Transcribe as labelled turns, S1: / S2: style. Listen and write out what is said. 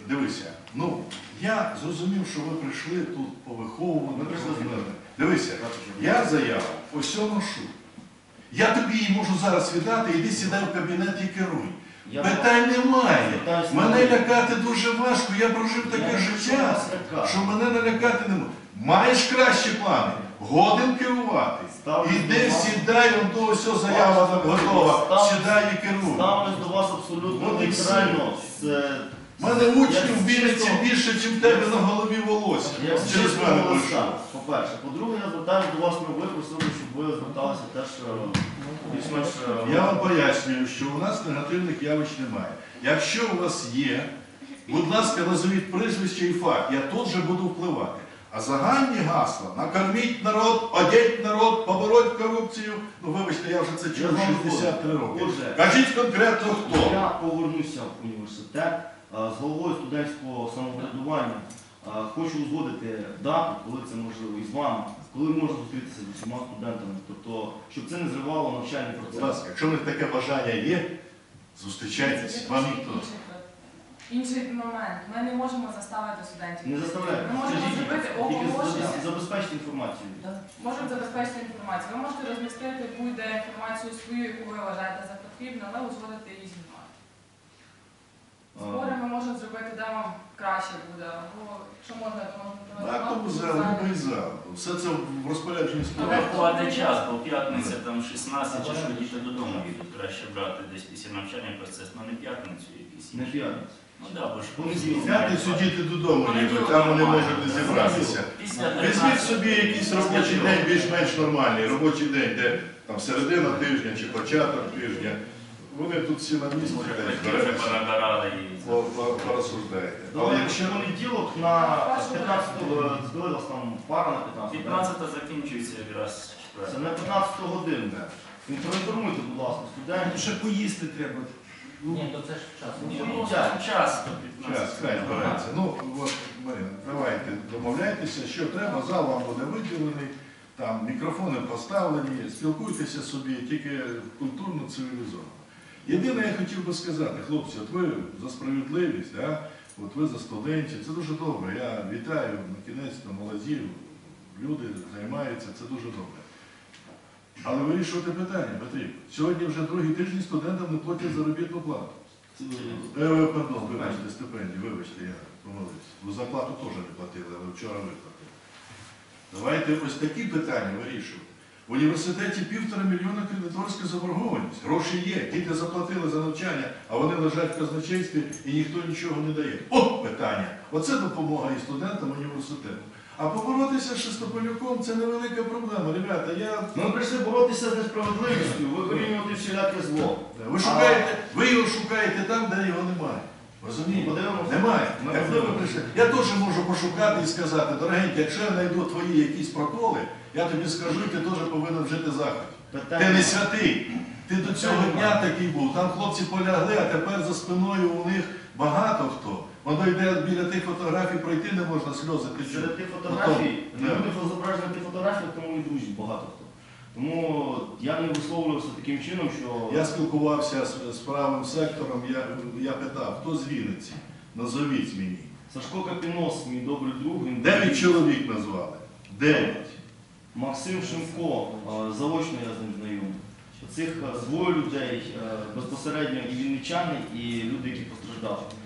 S1: Дивися, ну, я зрозумів, що ви прийшли тут по виховуванню. Дивися, я заяву ось ношу. Я тобі її можу зараз віддати, іди сідай в кабінет і керуй. Питань немає. Мене лякати дуже важко, я прожив таке життя, що мене налякати не може. Маєш кращі плани, годин керувати. Іди, сідай, он до ось заява готова, сідай і керуй.
S2: Ставлюсь до вас абсолютно нейтрально.
S1: У мене учнів в Вінниці більше, ніж в тебе на голові волосся. Через мене прийшов.
S2: По-перше. По-друге, я звертаюся до вас, ви просили, щоб ви зверталися теж більш-менш...
S1: Я вам пояснюю, що у нас негативних явищ немає. Якщо у вас є, будь ласка, назвіть прізвище і факт, я тут же буду впливати. А загальні гасла – накорміть народ, одіть народ, побороть корупцію. Ну, вибачте, я вже це чув 63 роки. Кажіть конкретно хто.
S2: Я повернуся в університет з головою студентського самоврядування. Хочу узгодити дату, коли це можливо, і з вами, коли можна зустрітися з усіма студентами. Тобто, щоб це не зривало навчальний процес.
S1: Будь ласка, якщо в них таке бажання є, зустрічайтеся, вам ніхто.
S3: Інший момент. Ми не можемо заставити студентів.
S2: Не заставляйте.
S3: Ми можемо зробити оголошення.
S2: Тільки забезпечити інформацію.
S3: Можемо забезпечити інформацію. Ви можете розмістити будь-де інформацію свою, яку ви вважаєте за потрібно, але узгодити її зі мною. Збори ми можемо зробити, де вам краще буде. Або, якщо можна, то можна
S1: Так, тому зал, любий зал. Все це в розпорядженні
S4: Але
S1: справи.
S4: вкладе час, бо п'ятниця там 16 чи що діти додому їдуть. Краще брати десь після навчання процес, але не п'ятницю якийсь.
S2: Не п'ятницю.
S4: Ну так, бо ж
S1: В п'ятницю діти додому їдуть, там вони можуть не зібратися. Візьміть собі якийсь робочий день більш-менш нормальний, робочий день, де там середина тижня чи початок тижня. Вони тут всі на місці порозсуждаєте.
S2: Але якщо понеділок на 15-го збилась там пара на 15-го.
S4: 15 закінчується якраз
S2: Це на 15 годину. Проінформуйте, будь ласка, студентів.
S5: Ще поїсти треба.
S6: Ні, то це ж час.
S4: час.
S1: Час, хай збирається. Ну, от, Марина, давайте домовляйтеся, що треба, зал вам буде виділений, там мікрофони поставлені, спілкуйтеся собі, тільки культурно, цивілізовано. Єдине, я хотів би сказати, хлопці, от ви за справедливість, да? От ви за студентів, це дуже добре. Я вітаю, на кінець молоді, люди займаються, це дуже добре. Але вирішувати питання потрібно. Сьогодні вже другий тиждень студентам не платять заробітну плату. Пардон, вибачте, стипендію, вибачте, я помилився. Ви зарплату теж не платили, але вчора виплатили. Давайте ось такі питання вирішувати. В університеті 1,5 мільйона кредиторська заборгованість. Гроші є, діти заплатили за навчання, а вони лежать в казначействі і ніхто нічого не дає. От питання. Оце допомога і студентам університету. А поборотися з Шестополюком – це невелика проблема. Ребята,
S2: Ми прийшли боротися з несправедливістю, викорінювати всіляке зло.
S1: Ви його шукаєте там, де його немає. Розумієте?
S2: Подивимося.
S1: Немає. Я теж можу пошукати і сказати, дорогенькі, якщо я знайду твої якісь проколи, я тобі скажу, і ти теж повинен вжити заходів. Ти не святий. Ти до цього дня такий був. Там хлопці полягли, а тепер за спиною у них багато хто. Воно йде біля тих фотографій, пройти не можна, сльози течуть.
S2: Серед тих фотографій, люди зображені на тих фотографіях, тому і друзі багато хто. Тому я не висловлювався таким чином, що...
S1: Я спілкувався з правим сектором, я питав, хто з Вінниці? Назовіть мені.
S2: Сашко Капінос, мій добрий друг.
S1: 9 чоловік назвали. 9.
S2: Максим Шимко, заочно я з ним знайомий. Цих двоє людей, безпосередньо і вінничани, і люди, які постраждали.